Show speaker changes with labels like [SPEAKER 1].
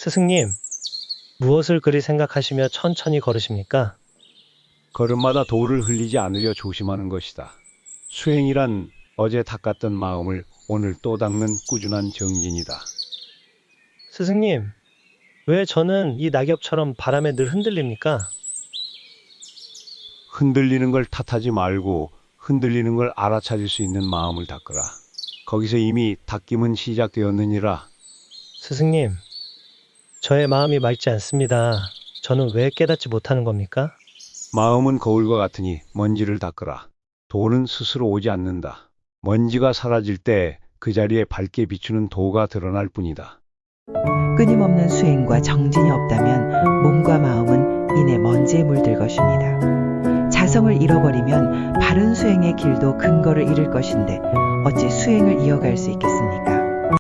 [SPEAKER 1] 스승님, 무엇을 그리 생각하시며 천천히 걸으십니까?
[SPEAKER 2] 걸음마다 돌을 흘리지 않으려 조심하는 것이다. 수행이란 어제 닦았던 마음을 오늘 또 닦는 꾸준한 정진이다.
[SPEAKER 1] 스승님, 왜 저는 이 낙엽처럼 바람에 늘 흔들립니까?
[SPEAKER 2] 흔들리는 걸 탓하지 말고 흔들리는 걸 알아차릴 수 있는 마음을 닦으라. 거기서 이미 닦임은 시작되었느니라.
[SPEAKER 1] 스승님, 저의 마음이 맑지 않습니다. 저는 왜 깨닫지 못하는 겁니까?
[SPEAKER 2] 마음은 거울과 같으니 먼지를 닦으라. 도는 스스로 오지 않는다. 먼지가 사라질 때 그 자리에 밝게 비추는 도가 드러날 뿐이다.
[SPEAKER 3] 끊임없는 수행과 정진이 없다면 몸과 마음은 이내 먼지에 물들 것입니다. 자성을 잃어버리면 바른 수행의 길도 근거를 잃을 것인데 어찌 수행을 이어갈 수 있겠습니까?